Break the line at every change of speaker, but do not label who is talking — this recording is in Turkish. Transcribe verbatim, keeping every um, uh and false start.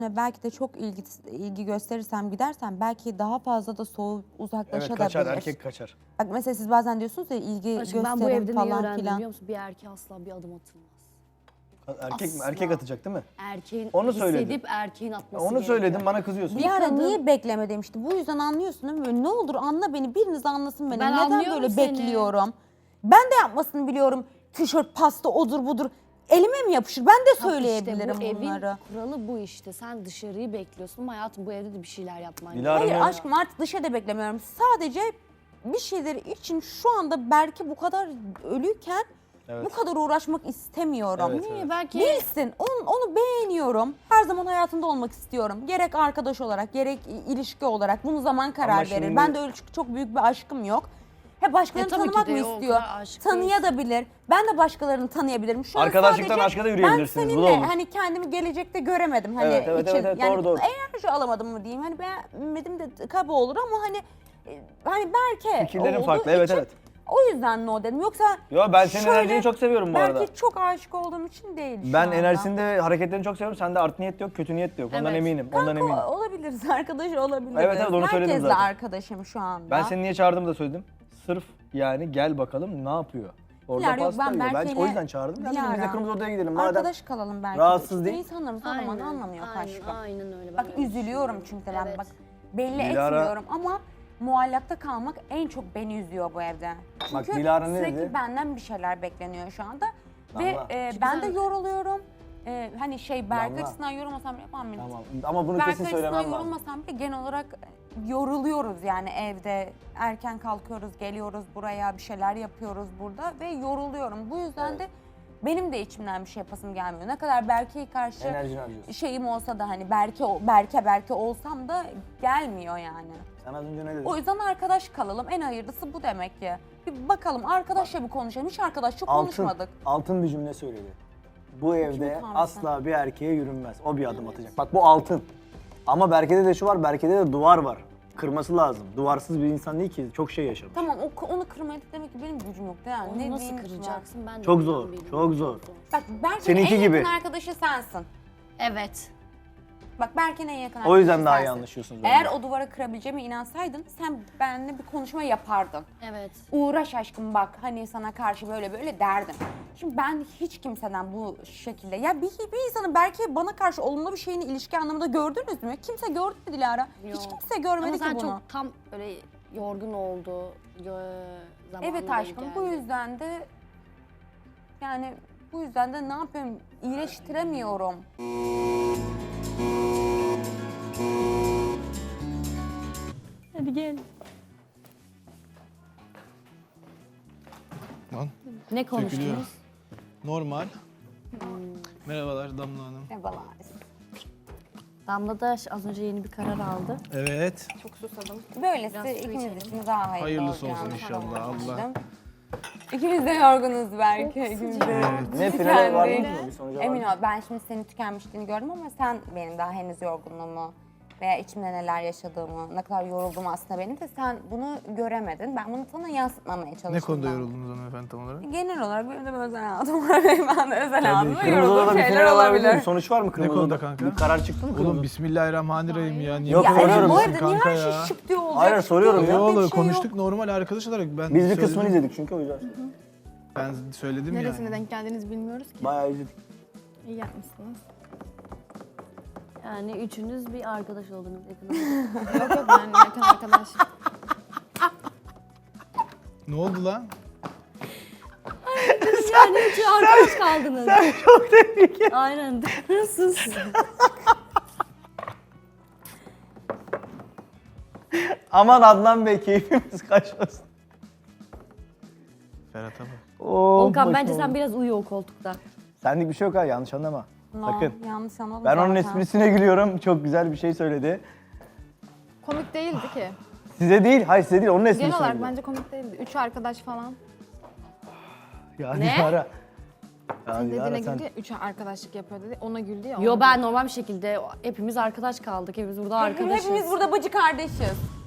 Belki de çok ilgi, ilgi gösterirsem gidersem belki daha fazla da soğup uzaklaşabilir.
Evet kaçar, erkek kaçar.
Bak mesela siz bazen diyorsunuz ya ilgi
Aşkım, ben bu
gösterin
evde neyi
falan
öğrendim
filan.
biliyor musun? Bir erkeğe asla bir adım atılmaz.
Erkek mi?
Asla.
Erkek atacak değil mi?
Erkeğin
Onu söyledim.
hissedip erkeğin atması
Onu
gerekiyor.
söyledim, bana kızıyorsun.
Bir ara
kadın-
niye bekleme demişti. Bu yüzden anlıyorsun değil mi? Böyle, ne olur anla beni, biriniz anlasın beni.
Ben
Neden
anlıyorum
böyle
seni.
bekliyorum? Ben de yapmasını biliyorum. Tişört, pasta, odur budur. Elime mi yapışır? Ben de
Bak
söyleyebilirim
işte bu
bunları.
evin kuralı bu işte. Sen dışarıyı bekliyorsun ama hayatım bu evde de bir şeyler yapman
Dilara
Hayır
ne?
aşkım artık dışarıda beklemiyorum. Sadece bir şeyleri için şu anda belki bu kadar ölüyken
Evet.
bu kadar uğraşmak istemiyorum.
Evet,
Niye?
evet.
Belki
Bilsin, onu, onu beğeniyorum. Her zaman hayatında olmak istiyorum. Gerek arkadaş olarak, gerek i- ilişki olarak. Bunu zaman karar
Ama
verir.
şimdi-
Ben de öyle çok, çok büyük bir aşkım yok. He başkalarını
E, tabii ki
tanımak
de
mı
o
istiyor?
kadar aşık
Tanıyabilir. Ben de başkalarını tanıyabilirim. Şu an
Arkadaşlıktan
sadece
aşka da yürüyebilirsiniz,
Ben
bu da
seninle
olur.
hani kendimi gelecekte göremedim. Hani
Evet, evet,
için,
evet, evet,
yani
doğru, doğru.
enerji alamadım mı diyeyim. Hani beğenmedim de kaba olur ama hani e, hani Berke
Fikirlerin
olduğu
farklı, evet,
için
evet.
o yüzden no dedim. Yoksa
Yo ben senin
şöyle,
enerjini çok seviyorum bu arada.
Belki çok aşık olduğum için değil şu
Ben
anda.
enerjisinde hareketlerini çok seviyorum. Sende art niyet de yok, kötü niyet de yok. Ondan
Evet.
eminim. Ondan
Kanka
eminim.
olabiliriz, arkadaş olabiliriz.
Evet, evet, onu söyledim
Herkesle
zaten.
arkadaşım şu anda.
Ben seni niye çağırdığımı da söyledim. Sırf yani gel bakalım ne yapıyor. Orada
Dilara, yok,
pasta
ben
yiyor. Ben
Berke'yle-
o yüzden çağırdım. Yani
Dilara,
biz de kırmızı odaya gidelim. Madem
Arkadaş kalalım belki.
rahatsız
İşte
değil.
İnsanlarımız o zaman anlamıyor aşkım.
Aynen öyle. Ben
Bak
öyle
üzülüyorum
düşünüyorum.
çünkü ben
Evet.
bak belli
Dilara-
etmiyorum ama muallakta kalmak en çok beni üzüyor bu evde.
Bak,
Çünkü
Dilara ne
sürekli
dedi?
benden bir şeyler bekleniyor şu anda. Ve
Damla.
e,
Çünkü
ben de
sen-
yoruluyorum. E, hani şey Berk
Damla.
açısından yorulmasam bile yapamam.
Tamam ama bunu
Berk
kesin
açısından
söylemem lazım.
yorulmasam bile genel olarak yoruluyoruz yani evde. Erken kalkıyoruz, geliyoruz buraya, bir şeyler yapıyoruz burada ve yoruluyorum. Bu yüzden de benim de içimden bir şey yapasım gelmiyor. Ne kadar Berke'ye karşı
Enerjini harcıyorsun.
şeyim olsa da hani Berke Berke Berke olsam da gelmiyor yani.
Sen az önce ne dedin?
O yüzden arkadaş kalalım. En hayırlısı bu demek ki. Bir bakalım arkadaşla bir konuşalım. Hiç arkadaş çok
Altın,
konuşmadık.
altın bir cümle söyledi. Bu evde
utanmış
asla bir erkeğe yürünmez. O bir adım atacak. Bak bu altın. Ama Berke'de de şu var, Berke'de de duvar var. Kırması lazım. Duvarsız bir insan değil ki. Çok şey yaşamış.
Tamam o, onu kırmaya da demek ki benim gücüm yok yani.
Onu
ne
nasıl
diyeyim ki
kıracaksın ben de
Çok
bilmiyorum,
zor,
bilmiyorum.
çok zor.
ben? Bak Berke'nin
Seninki
en
gibi.
yakın arkadaşı sensin.
Evet.
Bak Berke'nin en yakın arkadaşı
O yüzden daha iyi
sensin.
anlaşıyorsunuz.
Eğer
bence.
o duvara kırabileceğime inansaydın sen benimle bir konuşma yapardın.
Evet.
Uğraş aşkım bak hani sana karşı böyle böyle derdim. Şimdi ben hiç kimseden bu şekilde ya bir, bir insanın belki bana karşı olumlu bir şeyini ilişki anlamında gördünüz mü? Kimse gördü mü Dilara? Hiç
Yok.
kimse görmedi
Ama sen
ki bunu.
çok tam böyle yorgun oldu. Yo- zamanı
Evet
denk
aşkım bu
geldi.
yüzden de yani bu yüzden de ne yapayım iyileştiremiyorum.
Hadi gel.
Lan
Ne
dökülüyor.
konuştunuz?
Normal. Merhabalar Damla Hanım.
Merhabalar.
Damla da az önce yeni bir karar aldı.
Evet.
Çok susadım. Böylesi
Biraz su
ikimiz
içelim.
için daha hayırlı
Hayırlısı
olacağını
olsun inşallah,
sanmıştım.
Allah.
İkimiz de yorgunuz belki. İkimiz de
Ne finale var mı?
tükendik.
Bir sonuca var
Emin
mı?
ol ben şimdi senin tükenmişliğini gördüm ama sen benim daha henüz yorgunluğumu veya içimde neler yaşadığımı, ne kadar yorulduğumu aslında benim de sen bunu göremedin. Ben bunu sana yansıtmamaya çalıştım.
Ne konuda
ben.
yoruldunuz hanımefendi tam olarak?
Genel olarak benim de bir özel hayatım var. Ben de özel hayatımda
Kırmızı
yorulduğum
Oda'da bir
şeyler
final olabilir mi?
olabilir.
Sonuç var mı Kırmızı
konuda
Oda'da?
kanka?
Bir karar çıktı mı Kırmızı
Oğlum
Oda'da?
bismillahirrahmanirrahim ya. Niye
Yok,
bu kadar
soruyorum.
Bu
üzülüyorsun
evde niye
kanka
her şey
ya?
şıp diye olacak?
Hayır,
Şıp
soruyorum
diye
ya.
Ne
olacak, bir
oldu?
şey yok.
Konuştuk normal arkadaş olarak. Ben
Biz bir
söyledim.
kısmını izledik çünkü o yüzden.
Ben söyledim
Neresine
yani.
denk geldiniz bilmiyoruz ki.
Bayağı izledik.
İyi yapmışsınız.
Yani üçünüz bir arkadaş oldunuz. yakın
Yok yok ben yakın arkadaş.
Ne oldu lan?
Yani üçü arkadaş kaldınız. Sen çok tebrik et. Aynen. Sus.
Aman Adnan Bey keyfimiz kaçmasın.
Ferhat'a bak.
Oo,
Volkan
boş
bence
oldu.
sen biraz uyu o koltukta.
Senlik bir şey yok ha, yanlış anlama.
No,
Sakın.
yanlış anladım
Ben onun
zaten.
esprisine gülüyorum. Çok güzel bir şey söyledi.
Komik değildi ki.
Size değil, hayır size değil, onun esprisine
Genel olarak
gülüyorum.
bence komik değildi. Üç arkadaş falan.
Ya
Ne?
Dilara. Ya Dilara
Dediğine
sen...
güldü ya, üç arkadaşlık yapıyor dedi. Ona güldü ya.
Yo
ona
ben normal bir şekilde hepimiz arkadaş kaldık. Hepimiz burada arkadaşız.
Hepimiz burada bacı kardeşiz.